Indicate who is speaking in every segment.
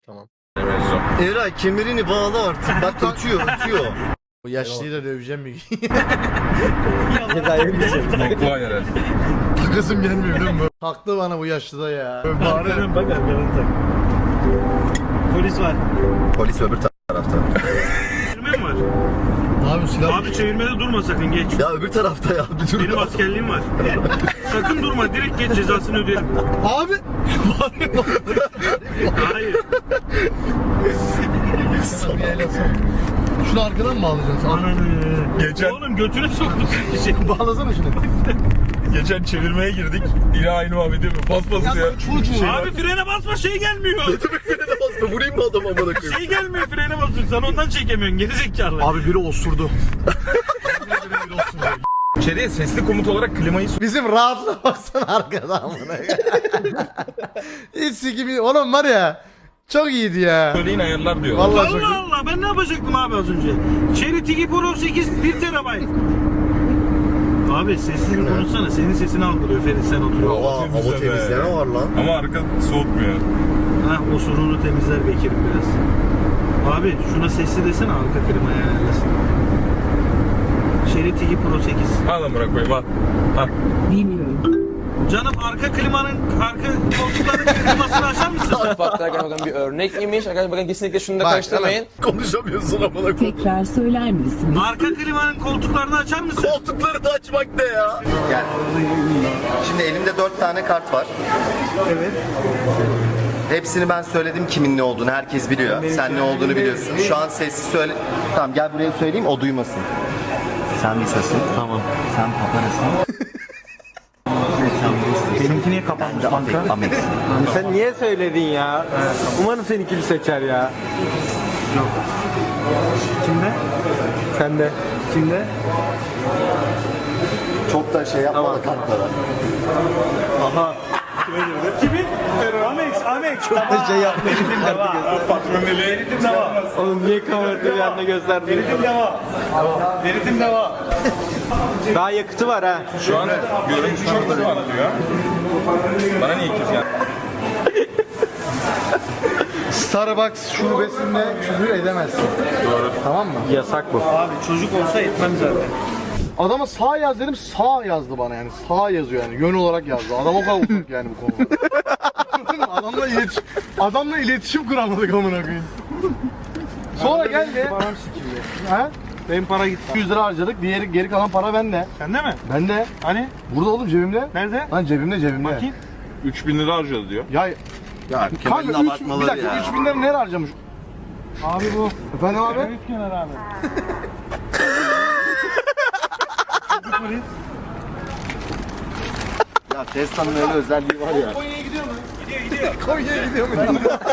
Speaker 1: Tamam.
Speaker 2: Eray kemerini bağla artık. Bak ötüyor.
Speaker 1: Bu yaşlıyı da döveceğim bir gün.
Speaker 3: Kolay herhalde.
Speaker 1: Takasım gelmiyor biliyor musun? Taktı bana bu yaşlıda ya.
Speaker 4: Arkadan bak arkadan tak. Polis var.
Speaker 2: Polis öbür tarafta.
Speaker 4: Çevirme mi var?
Speaker 1: Abi silah.
Speaker 4: Abi çevirmede durma sakın geç.
Speaker 2: Ya öbür tarafta ya. Bir dur.
Speaker 4: Benim askerliğim var. Sakın durma direkt geç cezasını ödeyelim.
Speaker 1: Abi.
Speaker 4: Hayır.
Speaker 1: Şunu arkadan mı bağlayacaksın?
Speaker 3: Geçen-
Speaker 4: Oğlum götüne sokmuşsun.
Speaker 1: Bağlasana şunu.
Speaker 3: Geçen çevirmeye girdik. Yine aynı muhabbet yapıyor. Pas pas ya.
Speaker 1: Çocuğu.
Speaker 4: Abi frene basma şey gelmiyor.
Speaker 2: Frene basma. Vurayım mı adamı amına koyayım?
Speaker 4: Şey gelmiyor frene basıyorsun sen ondan çekemiyorsun gerizekalı.
Speaker 1: Abi biri osurdu.
Speaker 3: İçeriye sesli komut olarak klimayı
Speaker 1: Bizim rahatlığa baksana arkadan amına. Hiç sikimi. Oğlum var ya. Çok iyiydi ya.
Speaker 3: söyleyin ayarlar diyor.
Speaker 1: Vallahi çok iyi.
Speaker 4: Allah Allah ben ne yapacaktım abi az önce? Cherry Tigi Pro 8 1 TB. Abi sesini konuşsana senin sesini algılıyor Ferit sen oturuyor.
Speaker 2: Aa, hava temizleme var lan.
Speaker 3: Ama arka soğutmuyor.
Speaker 4: Ha o sorunu temizler Bekir'im biraz. Abi şuna sesli desene arka klima ayarlasın. Cherry Tigi Pro 8.
Speaker 3: Al lan bırak koyayım al. Al.
Speaker 4: Canım arka klimanın arka koltukların klimasını açar mısın?
Speaker 5: Farklar gerçekten bir örnek imiş. Arkadaşlar bakın kesinlikle şunu da
Speaker 1: Bak,
Speaker 5: karıştırmayın.
Speaker 2: Konuşamıyorsun amına koyayım.
Speaker 6: Tekrar söyler misiniz?
Speaker 4: Arka klimanın koltuklarını açar mısın?
Speaker 2: Koltukları da açmak ne ya? Gel. Şimdi elimde 4 tane kart var.
Speaker 4: Evet.
Speaker 2: Hepsini ben söyledim kimin ne olduğunu. Herkes biliyor. Sen ne olduğunu biliyorsun. Şu an sessiz söyle. Tamam gel buraya söyleyeyim o duymasın. Sen Lisa'sın. Tamam. Sen Papana'sın.
Speaker 4: Benimki niye kapanmış kanka?
Speaker 2: Amek.
Speaker 7: Sen niye söyledin ya? Umarım seninkini seçer ya.
Speaker 4: Kimde?
Speaker 7: Sen de.
Speaker 4: Kimde?
Speaker 2: Çok da şey yapma da kartlara.
Speaker 4: Kimin? Amex. Çok
Speaker 7: da şey yapmayın.
Speaker 3: Patroneli.
Speaker 4: Veritim deva.
Speaker 7: Oğlum niye kamerayı yanına gösterdin?
Speaker 4: Veritim deva. Veritim deva.
Speaker 7: Daha yakıtı var ha.
Speaker 3: Şu an görüntü çok hızlı anlatıyor. Bana niye ikiz ya?
Speaker 1: Starbucks şubesinde küfür edemezsin.
Speaker 3: Doğru.
Speaker 1: Tamam mı?
Speaker 7: Yasak bu.
Speaker 4: Abi çocuk olsa etmem zaten.
Speaker 1: Adama sağ yaz dedim sağ yazdı bana yani. Sağ yazıyor yani. Yön olarak yazdı. Adam o kadar uzak yani bu konuda. Adamla iletişim kuramadık amına koyayım. Sonra geldi.
Speaker 4: Param sikildi.
Speaker 1: Ha?
Speaker 4: Benim para gitti.
Speaker 1: 100 lira harcadık. Geri kalan para bende.
Speaker 4: Sende mi?
Speaker 1: Bende.
Speaker 4: Hani?
Speaker 1: Burada oğlum cebimde.
Speaker 4: Nerede?
Speaker 1: Lan cebimde.
Speaker 4: Bakayım.
Speaker 3: 3000 lira harcadı diyor.
Speaker 1: Ya
Speaker 2: Ya
Speaker 1: kanka
Speaker 2: Kemal'in
Speaker 1: 3 bir
Speaker 2: abartmaları
Speaker 1: dakika
Speaker 2: ya.
Speaker 1: 3000 lira nereye harcamış?
Speaker 4: Abi bu.
Speaker 1: Efendim abi?
Speaker 4: Evet kenar abi.
Speaker 2: Ya Tesla'nın öyle özelliği var ya.
Speaker 4: Konya'ya gidiyor mu? Gidiyor.
Speaker 1: Konya'ya gidiyor mu?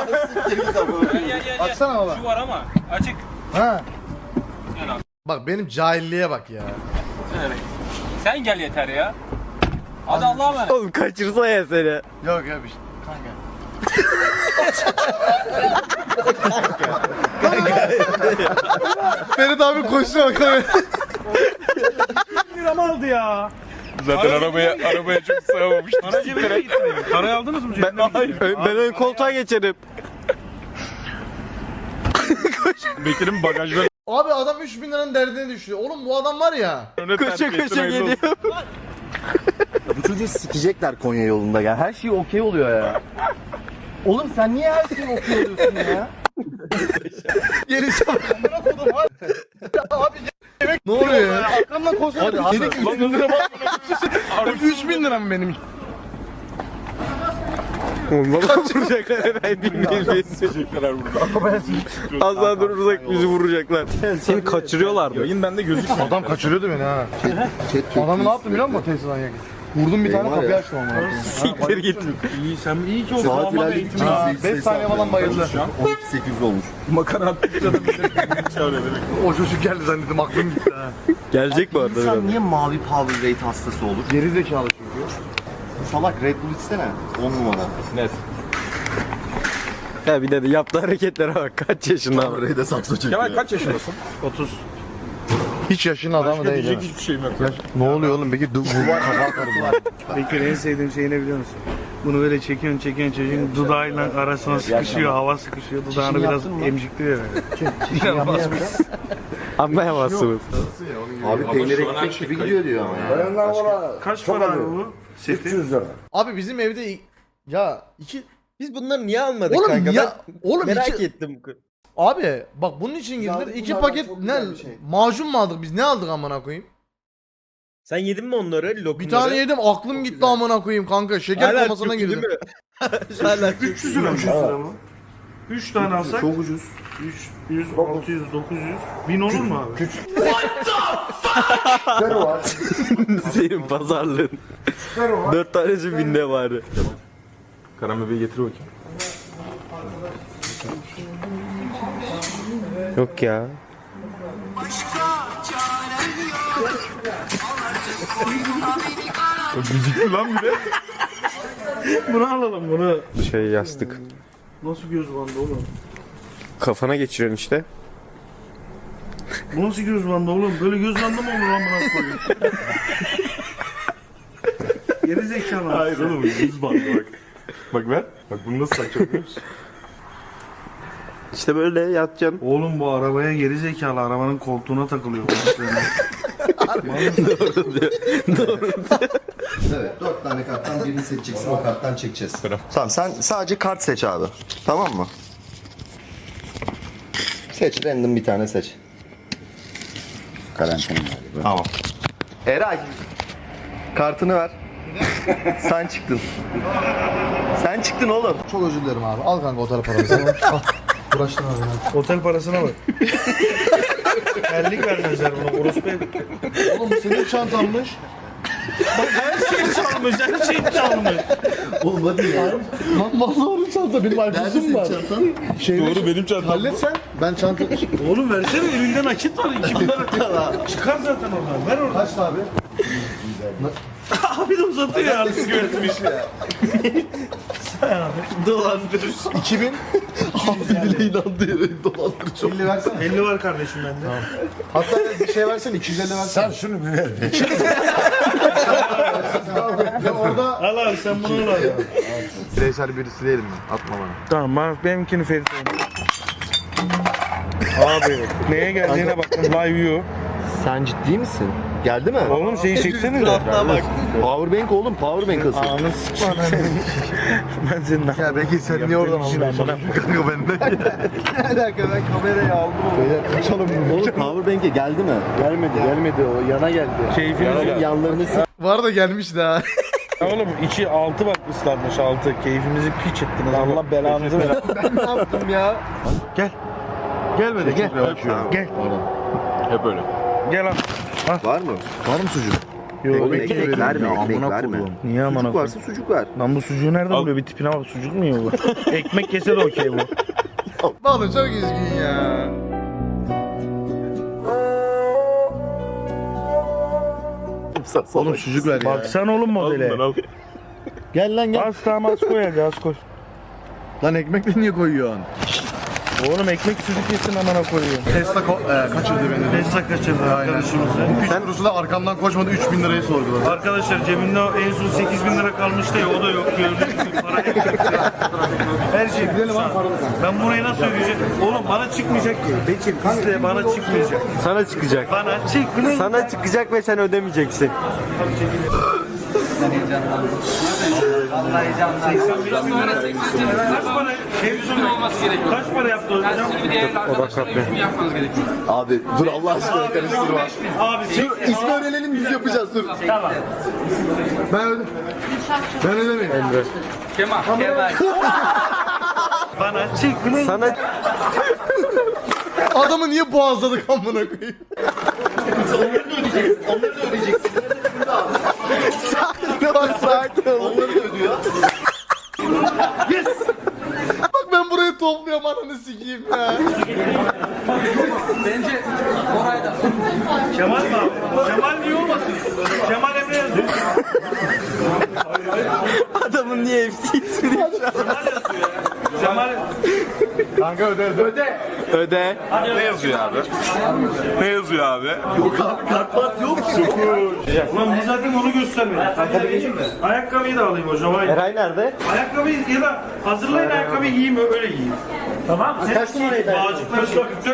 Speaker 4: Gel.
Speaker 1: Açsana baba.
Speaker 4: Şu var ama açık.
Speaker 1: Ha. Bak benim cahilliğe bak ya.
Speaker 4: Sen gel yeter ya. Hadi Allah'a emanet.
Speaker 7: Oğlum kaçırsa ya seni.
Speaker 1: Yok ya bir şey. Kanka. Ferit abi koştu bakalım.
Speaker 4: Liram aldı ya.
Speaker 3: Zaten arabaya çok sığamamıştı.
Speaker 4: Para cebine gitti benim. Parayı aldınız mı cebine?
Speaker 7: Ben ön koltuğa geçerim.
Speaker 3: Bekir'in bagajları
Speaker 1: Abi adam 3000 liranın derdine düşüyor. Oğlum bu adam var ya.
Speaker 3: önüne
Speaker 7: Koşa koşa geliyor.
Speaker 2: Bu çocuğu sikecekler Konya yolunda ya. Her şey okey oluyor ya. Oğlum sen niye her şeyi okey oluyorsun ya?
Speaker 1: Gerisi Abi ne oluyor ya?
Speaker 2: Arkamdan koşsana.
Speaker 1: Dedik 3000 lira bak. 3000 lira mı benim?
Speaker 7: Oğlum baba vuracaklar herhalde bilmeyiz.
Speaker 3: Çekecekler burada.
Speaker 7: Az daha durursak bizi vuracaklar. Seni kaçırıyorlardı.
Speaker 3: Yayın bende gözükmüyor.
Speaker 1: Adam kaçırıyordu beni ha. Adamı ne yaptım biliyor musun Tesla'dan yakın? Vurdum bir tane
Speaker 2: var
Speaker 1: kapıyı
Speaker 2: ya.
Speaker 1: açtım ama.
Speaker 7: Siktir git.
Speaker 4: İyi sen iyi ki o
Speaker 2: Saat
Speaker 4: sağlama
Speaker 2: ilerledikçe
Speaker 4: eğitimi.
Speaker 1: Ha, 5 saniye falan bayıldı.
Speaker 2: Şu an 12.800 olmuş.
Speaker 3: Makara attıkça da bizi çağırıyor demek.
Speaker 1: O çocuk geldi zannettim aklım gitti ha.
Speaker 7: Gelecek bu arada.
Speaker 2: İnsan
Speaker 7: biraz.
Speaker 2: niye mavi power rate hastası olur?
Speaker 1: Geri zekalı çünkü.
Speaker 2: Salak Red Bull içsene. 10 numara.
Speaker 3: Net.
Speaker 7: Ya bir de yaptığı hareketlere bak. Kaç yaşında abi.
Speaker 2: Power Rate'e sakso çekiyor.
Speaker 3: Kemal kaç yaşındasın?
Speaker 4: 30.
Speaker 1: Hiç yaşın adamı değil.
Speaker 3: Diyecek
Speaker 1: ha.
Speaker 3: hiçbir şeyim yok.
Speaker 1: Ne oluyor oğlum peki? Kafa atarım lan.
Speaker 4: Bekir en sevdiğim şey ne biliyor musun? Bunu böyle çekiyorsun çocuğun dudağıyla arasına sıkışıyor, hava sıkışıyor. Dudağını biraz emcikliyor böyle.
Speaker 7: Anlayamazsınız.
Speaker 2: Abi peynir ekmek gibi gidiyor diyor ama ya.
Speaker 4: Kaç para abi bu? Seti.
Speaker 1: Abi bizim evde ya iki
Speaker 7: Biz bunları niye almadık
Speaker 1: oğlum
Speaker 7: kanka?
Speaker 1: ya oğlum
Speaker 7: Merak
Speaker 1: iki,
Speaker 7: ettim.
Speaker 1: abi bak bunun için girdiler. İki
Speaker 2: bunlardan
Speaker 1: paket
Speaker 2: çok
Speaker 1: ne
Speaker 2: güzel bir şey.
Speaker 1: macun mu aldık biz? Ne aldık amına koyayım?
Speaker 7: Sen yedin mi onları? Lokumları?
Speaker 1: Bir tane yedim aklım gitti amına koyayım kanka. Şeker
Speaker 7: Hala
Speaker 1: komasına
Speaker 7: çok iyi
Speaker 1: girdim.
Speaker 7: değil mi? Hala
Speaker 4: 300 lira mı? 3 tane alsak çok ucuz. 300, 600, 900. 1000 olur mu abi?
Speaker 7: Senin pazarlığın. 4 tanesi binde bari.
Speaker 3: Karan bebeği getir bakayım.
Speaker 7: Yok ya.
Speaker 3: Müzikli lan bir de.
Speaker 4: Bunu alalım bunu.
Speaker 7: Şey yastık.
Speaker 4: Nasıl göz bandı oğlum?
Speaker 7: Kafana geçiriyorsun işte.
Speaker 4: Bu nasıl göz bandı oğlum? Böyle göz bandı mı olur amına koyayım? Geri zekalı.
Speaker 3: Hayır oğlum yüz bandı bak. Bak ver. Bak bunu nasıl takacağım biliyor musun?
Speaker 7: İşte böyle yatacaksın.
Speaker 4: Oğlum bu arabaya geri zekalı arabanın koltuğuna takılıyor.
Speaker 2: Evet 4 tane karttan birini seçeceksin, o karttan çekeceğiz. Tamam sen sadece kart seç abi. Tamam mı? Seç, random bir tane seç.
Speaker 6: Karantina galiba.
Speaker 2: Tamam. Eray. Kartını ver. Sen çıktın. Sen çıktın oğlum.
Speaker 1: Çok özür dilerim abi. Al kanka otel paramızı. Al. Uğraştın abi.
Speaker 4: Otel parasına bak. Terlik vermezler buna. Orospu ev.
Speaker 1: Oğlum senin çantanmış.
Speaker 4: Bak her şey çalmış. Her şey çalmış.
Speaker 2: Oğlum hadi ya.
Speaker 1: Lan vallahi onun çanta. Benim iPhone'um var.
Speaker 3: Doğru benim çantam.
Speaker 1: Hallet sen. Ben çanta...
Speaker 4: Oğlum versene elinde nakit var. 2000 lira. Çıkar zaten oradan. Ver oradan.
Speaker 1: Kaç abi?
Speaker 4: Abi de uzatıyor ya artık yönetmiş. Sen abi. Dolandırır.
Speaker 1: 2000.
Speaker 2: Abi bile inandı ya. Dolandırıcı.
Speaker 1: 50 versene.
Speaker 4: 50 var kardeşim bende.
Speaker 1: Hatta bir şey versene 250 versene. Sen şunu bir ver. Ya orada
Speaker 4: Al abi sen bunu al abi.
Speaker 1: bireysel birisi değilim ben. Atma bana.
Speaker 4: Tamam benimkini Ferit abi neye geldiğine bakın live view.
Speaker 2: Sen ciddi misin? Geldi mi?
Speaker 4: Oğlum şeyi çeksene de.
Speaker 2: bak. Powerbank oğlum, powerbank asıl.
Speaker 4: Anı sıkma lan. Ben senin
Speaker 1: Ya belki sen niye oradan aldın? Kanka benden. Ne alaka ben kamerayı aldım. Beyler kaçalım.
Speaker 2: Oğlum powerbank'e geldi mi?
Speaker 6: Gelmedi o yana geldi.
Speaker 4: Keyfimiz
Speaker 2: Yanlarını
Speaker 1: Var da gelmiş daha.
Speaker 4: Oğlum içi altı bak ıslanmış altı. Keyfimizi piç ettiniz. Allah belanızı ver.
Speaker 1: Ben ne yaptım ya?
Speaker 4: Gel. Gel böyle gel. Gel.
Speaker 3: Hep öyle.
Speaker 4: Gel al.
Speaker 2: var mı?
Speaker 1: Var mı sucuk?
Speaker 4: Yok
Speaker 2: Ekmek verme, ekmek verme.
Speaker 4: Niye amına
Speaker 2: Sucuk
Speaker 4: koyayım?
Speaker 2: varsa sucuk ver.
Speaker 4: Lan bu sucuğu nereden buluyor? Bir tipine bak sucuk mu yiyor bu? Ekmek kese de okey bu.
Speaker 1: Oğlum çok üzgün ya. Oğlum sucuk ver ya.
Speaker 4: Baksana oğlum modele.
Speaker 3: Al.
Speaker 1: Gel lan gel.
Speaker 4: Az tamam az koy hadi az koy.
Speaker 1: Lan ekmekle niye koyuyorsun?
Speaker 4: Oğlum ekmek sucuk yesin amına koyuyor.
Speaker 1: Tesla kaçırdı beni.
Speaker 4: Tesla kaçırdı arkadaşımızı.
Speaker 1: Sen Rus'u da arkamdan koşmadı 3000 lirayı sorguladı.
Speaker 4: Arkadaşlar cebinde en son 8000 lira kalmıştı ya o da yok. Gördüğünüz gibi para ekmek. Her şey şu an. Ben burayı nasıl ödeyeceğim? Oğlum bana çıkmayacak ki. Bekir bizde bana çıkmayacak.
Speaker 7: Sana çıkacak.
Speaker 4: Bana çıkmayacak.
Speaker 7: Sana çıkacak ve sen ödemeyeceksin.
Speaker 4: Kaç para? Kaç para yaptı hocam?
Speaker 2: Abi dur Allah aşkına karıştırma.
Speaker 4: Abi çek.
Speaker 2: İsmi öğrenelim biz yapacağız dur.
Speaker 4: Tamam.
Speaker 1: Ben ödemeyim.
Speaker 4: Bana çıkmayacak.
Speaker 7: Sana
Speaker 1: Adamı niye boğazladık amına koyayım?
Speaker 2: Onları da ödeyeceksin.
Speaker 1: Ne var sakin ol.
Speaker 2: Onları da ödüyor.
Speaker 1: Yes. Bak ben burayı topluyorum ananı sikeyim ya.
Speaker 4: Kemal mi abi? Kemal niye olmasın? Kemal Emre yazıyor.
Speaker 7: adamın niye hepsi ismini
Speaker 4: Kemal yazıyor ya. Kemal
Speaker 6: Kanka öde.
Speaker 7: Öde.
Speaker 3: Ne yazıyor abi? Ne yazıyor abi?
Speaker 4: Ulan biz zaten onu göstermedik. Ayakkabıyı da alayım hocam. Hayır.
Speaker 7: Eray nerede?
Speaker 4: Ayakkabıyı ya da hazırlayın ayakkabıyı giyeyim öyle giyeyim. Tamam. Kaç numaraydı? Bağcıklar 44,5.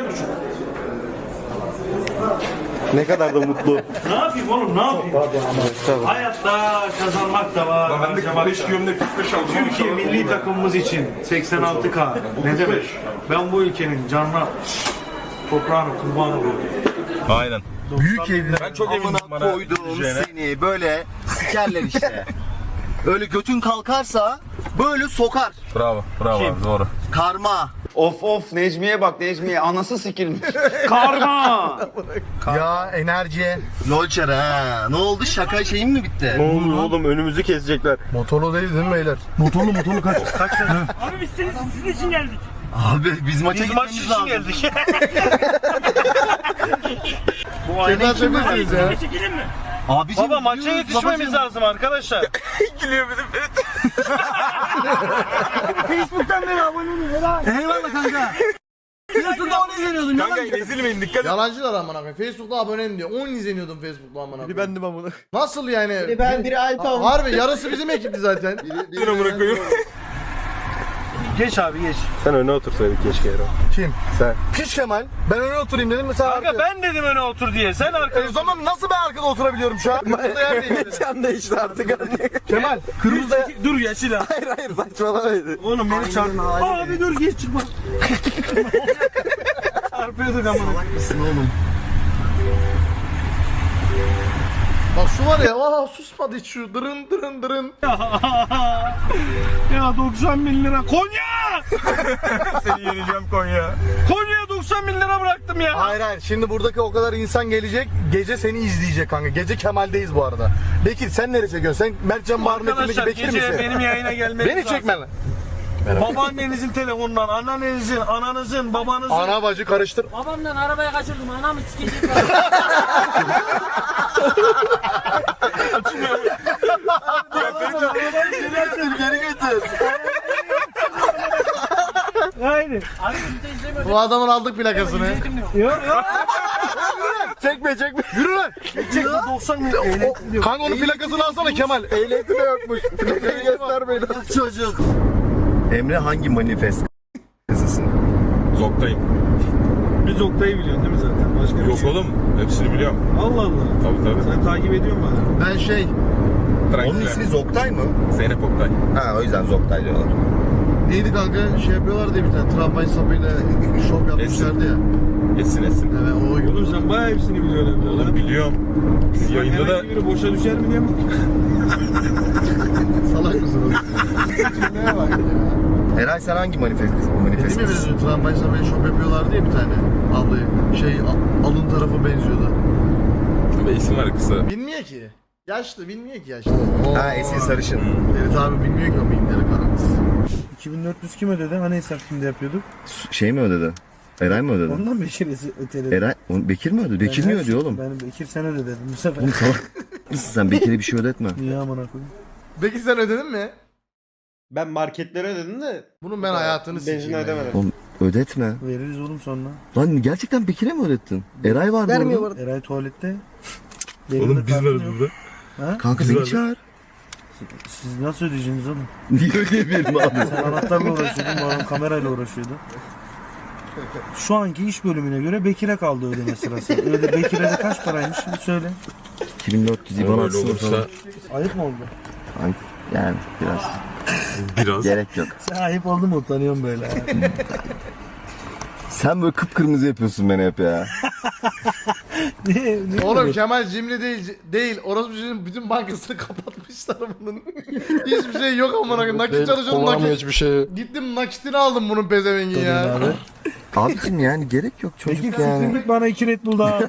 Speaker 7: Ne kadar da mutlu.
Speaker 4: Ne yapayım oğlum ne yapayım? Hayatta kazanmak da var.
Speaker 3: Ben de 45 gömlek 45 aldım.
Speaker 4: Türkiye milli takımımız için 86K. Ne demek? Ben bu ülkenin canına toprağına kurban oluyorum.
Speaker 3: Aynen.
Speaker 2: Büyük evler.
Speaker 3: Ben çok eminim
Speaker 2: Amına
Speaker 3: bana
Speaker 2: koyduğum
Speaker 3: düşeceğine.
Speaker 2: seni böyle sikerler işte. Öyle götün kalkarsa böyle sokar.
Speaker 3: Bravo. Bravo abi doğru.
Speaker 2: Karma.
Speaker 6: Of Necmiye bak Necmiye anası sikilmiş.
Speaker 4: Karma!
Speaker 6: Ya enerji.
Speaker 2: Lolçer ha. Ne oldu şaka şeyin mi bitti?
Speaker 7: Ne olur oğlum önümüzü kesecekler.
Speaker 6: Motorlu değil mi beyler? Motorlu kaç.
Speaker 4: Abi biz sizin için geldik.
Speaker 2: Abi biz maça
Speaker 4: Biz maç
Speaker 2: gitmemiz
Speaker 4: için
Speaker 2: lazım.
Speaker 4: geldik. Bu
Speaker 6: Kemal
Speaker 4: aynayı kim
Speaker 6: Bey'siniz ya.
Speaker 4: çekelim mi?
Speaker 2: Abicim
Speaker 4: Baba maça
Speaker 2: gidiyoruz,
Speaker 4: yetişmemiz
Speaker 2: babacığım.
Speaker 4: lazım arkadaşlar.
Speaker 3: Gülüyor bir de
Speaker 4: Facebook'tan beri abone olun.
Speaker 2: Eyvallah kanka. Piyasada onu izleniyordum ya.
Speaker 3: Kanka ezilmeyin dikkat et.
Speaker 1: Yalancılar amına koyayım. Facebook'ta abonem diyor. 10 izleniyordum Facebook'ta amına koyayım.
Speaker 7: Bendim amına.
Speaker 1: Nasıl yani?
Speaker 7: Biri ben, biri Alp abi.
Speaker 1: Harbi yarısı bizim ekipti zaten.
Speaker 3: Bir amına koyayım.
Speaker 4: Geç abi geç.
Speaker 7: Sen öne otursaydın keşke Ero.
Speaker 6: Kim?
Speaker 7: Sen.
Speaker 6: Piç Kemal. Ben öne oturayım dedim mesela.
Speaker 4: Kanka ben dedim öne otur diye. Sen arkaya.
Speaker 6: O zaman nasıl ben arkada oturabiliyorum şu an? Burada yer değil.
Speaker 7: Sen de işte artık anne.
Speaker 6: Kemal. Kırmızı
Speaker 4: Dur ya silah.
Speaker 7: Hayır saçmalamaydı.
Speaker 4: Oğlum beni çarpma. Abi dur geç çıkma. Çarpıyorduk ama.
Speaker 1: Bak şu var ya. Aa susmadı hiç şu. Dırın dırın dırın.
Speaker 4: Ya 90 bin lira. Konya!
Speaker 3: Seni yeneceğim Konya.
Speaker 4: Konya'ya 90 bin lira bıraktım ya.
Speaker 6: Hayır. Şimdi buradaki o kadar insan gelecek. Gece seni izleyecek kanka. Gece Kemal'deyiz bu arada. Bekir sen nereye çekiyorsun? Sen Mertcan Bahar'ın
Speaker 4: Arkadaşlar
Speaker 6: Bekir
Speaker 4: gece
Speaker 6: misin?
Speaker 4: benim yayına gelmeniz
Speaker 6: Beni
Speaker 4: lazım.
Speaker 6: çekme lan.
Speaker 4: Babaannenizin telefonundan, anneannenizin, ananızın, babanızın.
Speaker 6: Ana bacı karıştır.
Speaker 8: Babamdan arabaya kaçırdım. Anamı sikecek.
Speaker 2: Geri götür.
Speaker 4: Aynen.
Speaker 8: Abi biz de izlemiyoruz.
Speaker 1: Bu adamın aldık plakasını.
Speaker 6: Çekme. Yürü lan.
Speaker 4: Çek 90 bin lira.
Speaker 6: Kanka onun plakasını alsana Kemal. Ehliyeti de yokmuş. Plakayı göstermeyin.
Speaker 2: Çocuk. Emre hangi manifest kızısın?
Speaker 3: Zoktayım.
Speaker 4: Biz Oktay'ı biliyorsun değil mi zaten? Başka bir
Speaker 3: Yok
Speaker 4: şey.
Speaker 3: oğlum. Hepsini biliyorum.
Speaker 4: Allah Allah.
Speaker 3: Tabii.
Speaker 4: Sen takip ediyor musun bana?
Speaker 1: Ben şey.
Speaker 2: Onun ismi Zoktay mı?
Speaker 3: Zeynep Oktay.
Speaker 2: Ha o yüzden Zoktay diyorlar.
Speaker 1: Neydi kanka? Şey yapıyorlar diye bir tane tramvay sapıyla şov yapmışlardı ya.
Speaker 3: Esin.
Speaker 1: Evet o oyun.
Speaker 4: Oğlum sen bayağı hepsini biliyorsun.
Speaker 3: Oğlum biliyorum. Biz yayında da
Speaker 4: Biri boşa düşer mi diye mi?
Speaker 1: Salak mısın oğlum? Cümleye bak ya.
Speaker 2: Eray sen hangi manifest
Speaker 1: Değil mi bizim tramvay sapıyla şov yapıyorlardı ya bir tane ablayı. Şey alın tarafı benziyordu.
Speaker 3: Ve isim var kısa.
Speaker 1: Bilmiyor ki. Yaşlı bilmiyor ki yaşlı.
Speaker 2: Ha Esin Sarışın.
Speaker 1: Ferit abi bilmiyor ki o mimleri karanlısı.
Speaker 4: 2400 kim ödedi? Hani hesap şimdi yapıyorduk?
Speaker 2: Şey mi ödedi? Eray mı ödedi?
Speaker 4: Ondan Bekir'e öteledi.
Speaker 2: Eray, Bekir mi ödedi? Bekir mi ödüyor oğlum?
Speaker 4: Ben Bekir sen öde dedim bu sefer.
Speaker 2: Oğlum salak mısın sen? Bekir'e bir şey ödetme.
Speaker 4: Niye amına koyayım?
Speaker 1: Peki sen ödedin mi?
Speaker 7: Ben marketlere ödedim de
Speaker 1: Bunun ben hayatını
Speaker 7: benzin
Speaker 1: sikeyim. ya.
Speaker 7: ödemedim.
Speaker 2: Oğlum ödetme.
Speaker 4: Veririz oğlum sonra.
Speaker 2: Lan gerçekten Bekir'e mi ödettin? Eray vardı
Speaker 7: Vermiyor
Speaker 2: orada.
Speaker 7: bu arada.
Speaker 4: Eray tuvalette.
Speaker 3: Oğlum biz varız burada.
Speaker 2: Kanka beni çağır.
Speaker 4: Siz nasıl ödeyeceksiniz oğlum?
Speaker 2: Niye ödeyebilirim abi?
Speaker 4: Sen anahtarla uğraşıyordun, bu adam kamerayla uğraşıyordu. Şu anki iş bölümüne göre Bekir'e kaldı ödeme sırası. Öyle Bekir'e de kaç paraymış şimdi söyle.
Speaker 2: 2400 IBAN
Speaker 3: Ama öyle
Speaker 2: atsın
Speaker 3: olursa
Speaker 2: falan.
Speaker 4: Ayıp mı oldu?
Speaker 2: Ay, yani biraz. Gerek yok.
Speaker 4: Sen ayıp oldu mu utanıyorum böyle.
Speaker 2: Sen böyle kıpkırmızı yapıyorsun beni hep ya.
Speaker 4: Niye?
Speaker 1: Oğlum Kemal cimri değil. Orası bütün bankasını kapatmışlar bunun. Hiçbir şey yok amına koyayım. Nakit çalışıyorum nakit.
Speaker 6: hiçbir şey.
Speaker 1: Gittim nakitini aldım bunun pezevengin ya.
Speaker 4: Abi.
Speaker 2: Abicim yani gerek yok çocuk
Speaker 4: Bekir
Speaker 2: yani.
Speaker 4: siktirdik bana 2 Red Bull daha.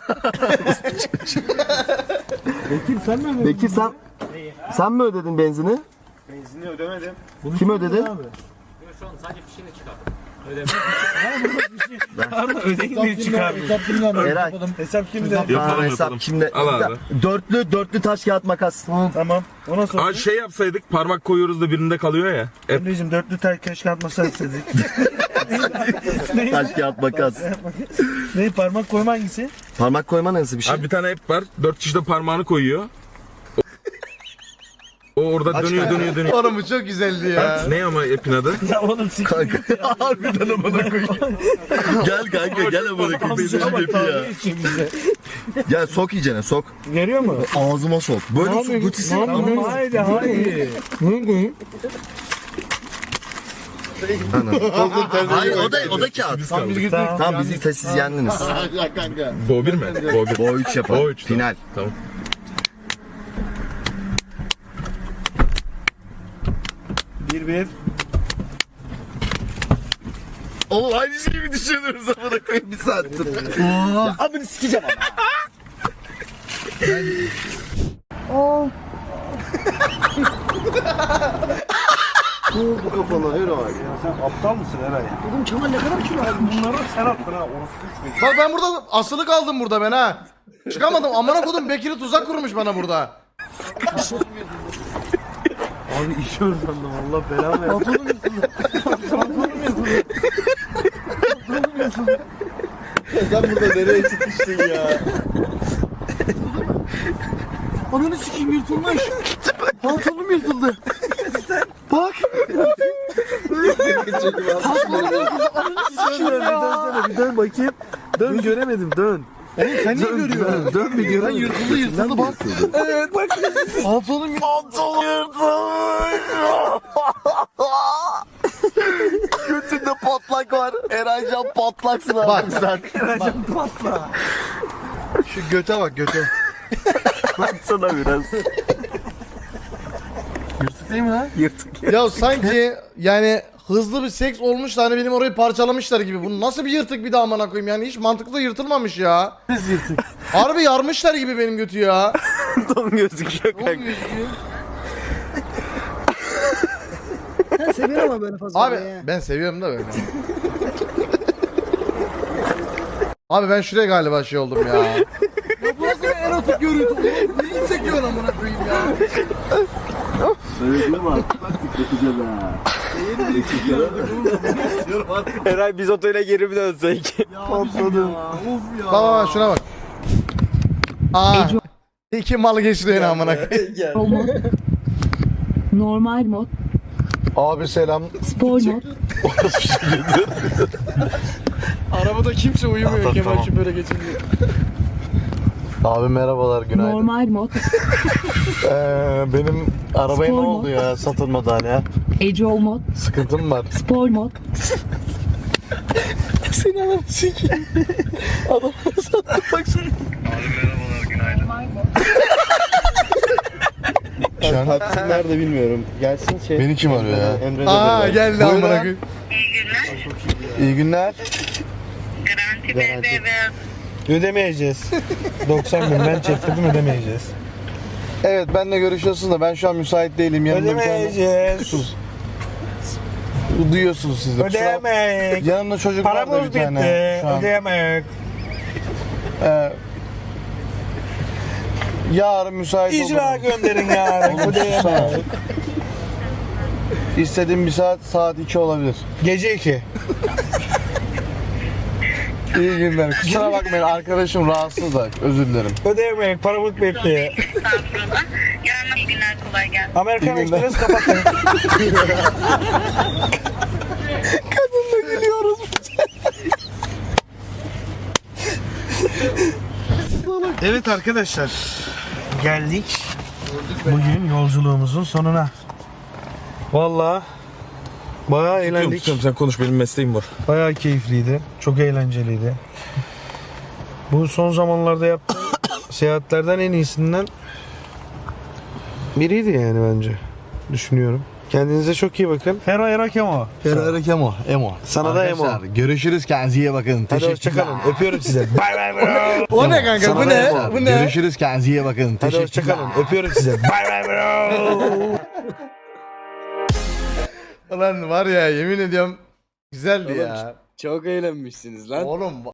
Speaker 4: Bekir sen mi ödedin?
Speaker 2: Bekir sen mi ödedin benzini?
Speaker 7: Benzini ödemedim.
Speaker 2: Kim ödedi?
Speaker 8: Şu an sadece fişini çıkardım.
Speaker 4: Pardon ödeyin diye çıkardım.
Speaker 2: Eray.
Speaker 4: Hesap kimde?
Speaker 2: Tamam, hesap kimde?
Speaker 3: Al abi.
Speaker 2: Dörtlü taş kağıt makas.
Speaker 4: Tamam. Ona sor.
Speaker 3: Aa şey yapsaydık parmak koyuyoruz da birinde kalıyor ya.
Speaker 4: Emre'cim dörtlü tay keşke atmasa istedik.
Speaker 2: Taş kağıt makas.
Speaker 4: Ne parmak koyma hangisi?
Speaker 2: Parmak koyma nasıl bir şey?
Speaker 3: Abi bir tane ip var. 4 kişi de parmağını koyuyor. O orada dönüyor.
Speaker 1: Oğlum bu çok güzeldi ya.
Speaker 3: Ne ama ipin adı?
Speaker 4: Ya oğlum sik.
Speaker 2: Kanka harbiden amına koyayım. Gel kanka gel amına koyayım. Benim gibi ya. Gel sok iyicene sok.
Speaker 4: Görüyor mu?
Speaker 2: Ağzıma sok. Böyle sok gutisi.
Speaker 4: Haydi haydi.
Speaker 2: Hayır o da kağıt. Tamam bizi siz yendiniz.
Speaker 3: Bo 1 mi? Bo 1.
Speaker 2: Bo 3 yapalım.
Speaker 3: Bo 3,
Speaker 2: Final.
Speaker 3: Tamam.
Speaker 4: Bir.
Speaker 2: Oğlum aynı şeyi mi düşünüyoruz amına koyayım bir saattir. Ya amını sikeceğim ama. Bu kafana yürü bak.
Speaker 4: Sen aptal mısın Eray? Oğlum Kemal ne kadar kilo aldın? Bunları sen attın ha. Orası
Speaker 1: Bak ben burada asılı kaldım burada ben ha. Çıkamadım amına kodum Bekir'i tuzak kurmuş bana burada.
Speaker 4: Abi işiyoruz sandım Allah belamı versin.
Speaker 2: Sen burada nereye çıkmıştın ya?
Speaker 6: Ananı sikeyim yırtılmış. Pantolonum yırtıldı. Bak.
Speaker 4: Bir dön bakayım. Dön göremedim dön.
Speaker 6: Oğlum sen niye görüyorsun?
Speaker 4: Dön bir göremedim.
Speaker 6: Yırtıldı bak. Evet bak. Pantolonum
Speaker 2: Götünde patlak var. Eraycan patlaksın
Speaker 1: Bak.
Speaker 2: abi sen.
Speaker 6: Şu göte bak göte.
Speaker 2: Baksana biraz.
Speaker 6: Yırtık değil mi lan?
Speaker 1: Ya sanki yani hızlı bir seks olmuş da hani benim orayı parçalamışlar gibi. Bu nasıl bir yırtık bir daha amına koyayım yani hiç mantıklı yırtılmamış ya.
Speaker 6: Biz yırtık.
Speaker 1: Harbi yarmışlar gibi benim götü ya.
Speaker 2: Don gözüküyor kanka.
Speaker 6: Sen seviyorsun ama böyle fazla.
Speaker 1: Abi ben seviyorum da böyle. Abi ben şuraya galiba şey oldum ya.
Speaker 6: Bu nasıl bir erotik görüntü oğlum? Neyi çekiyorsun amına koyayım ya?
Speaker 7: Eray biz otele geri mi dönsek?
Speaker 6: Patladım. Of ya.
Speaker 1: Bak şuna bak. Aa. İki mal geçti yine amına koyayım.
Speaker 9: Normal mod,
Speaker 6: Abi selam.
Speaker 9: spor mod,
Speaker 6: Arabada kimse uyumuyor Kemal şu böyle geçince. Abi merhabalar günaydın.
Speaker 9: normal mod,
Speaker 6: Benim arabaya
Speaker 9: Spor
Speaker 6: ne
Speaker 9: mu?
Speaker 6: oldu ya satılmadan ya?
Speaker 9: ecol mod,
Speaker 6: Sıkıntım var.
Speaker 9: spor mod,
Speaker 6: Seni alıp sikeyim. Adam sattı bak şimdi. Şu an
Speaker 2: Taksi nerede bilmiyorum. Gelsin şey.
Speaker 6: beni kim arıyor ya?
Speaker 2: Emre
Speaker 1: Aa geldi
Speaker 6: Buyurun.
Speaker 1: amına koyayım.
Speaker 6: İyi günler.
Speaker 4: Ödemeyeceğiz. 90 bin ben çektirdim ödemeyeceğiz.
Speaker 6: Evet benle görüşüyorsunuz da ben şu an müsait değilim. Yanımda bir tane...
Speaker 4: Ödemeyeceğiz.
Speaker 6: Sus. Duyuyorsunuz siz de.
Speaker 4: Ödeyemek.
Speaker 6: Yanımda çocuk var da
Speaker 4: Paramız
Speaker 6: bir tane.
Speaker 4: bitti.
Speaker 6: Şu an.
Speaker 4: Ödeyemek.
Speaker 6: Yarın müsait
Speaker 4: İcra
Speaker 6: olurum.
Speaker 4: gönderin yarın. Ödeyemek.
Speaker 6: İstediğim bir saat 2 olabilir.
Speaker 4: Gece 2.
Speaker 6: İyi günler. Kusura bakmayın arkadaşım rahatsız da özür dilerim.
Speaker 4: Ödeyemek. Paramız bitti.
Speaker 10: Estağfurullah. Yarın iyi günler, kolay gelsin.
Speaker 4: Amerikan
Speaker 6: İyi günler.
Speaker 4: Express kapatın.
Speaker 6: Kadınla gülüyoruz.
Speaker 4: Evet arkadaşlar. Geldik. Bugün yolculuğumuzun sonuna. Vallahi bayağı eğlendik.
Speaker 3: Tutuyorum sen konuş benim mesleğim var.
Speaker 4: Bayağı keyifliydi. Çok eğlenceliydi. Bu son zamanlarda yaptığım seyahatlerden en iyisinden biriydi yani bence. Düşünüyorum. Kendinize çok iyi bakın. Hera Hera Kemo.
Speaker 6: Ferrari Emo.
Speaker 4: Sana da Emo.
Speaker 6: Arkadaşlar, görüşürüz kendinize iyi bakın.
Speaker 4: Hadi hoşçakalın. Öpüyorum size. Bay bay bro.
Speaker 1: O ne kanka
Speaker 6: Sana
Speaker 1: bu
Speaker 6: da
Speaker 1: ne?
Speaker 6: Emo.
Speaker 1: Bu ne?
Speaker 6: Görüşürüz kendinize iyi bakın.
Speaker 4: Hadi hoşçakalın. Öpüyorum size. Bay bay bro.
Speaker 1: Ulan var ya yemin ediyorum Güzeldi ya.
Speaker 7: Çok eğlenmişsiniz lan.
Speaker 1: Oğlum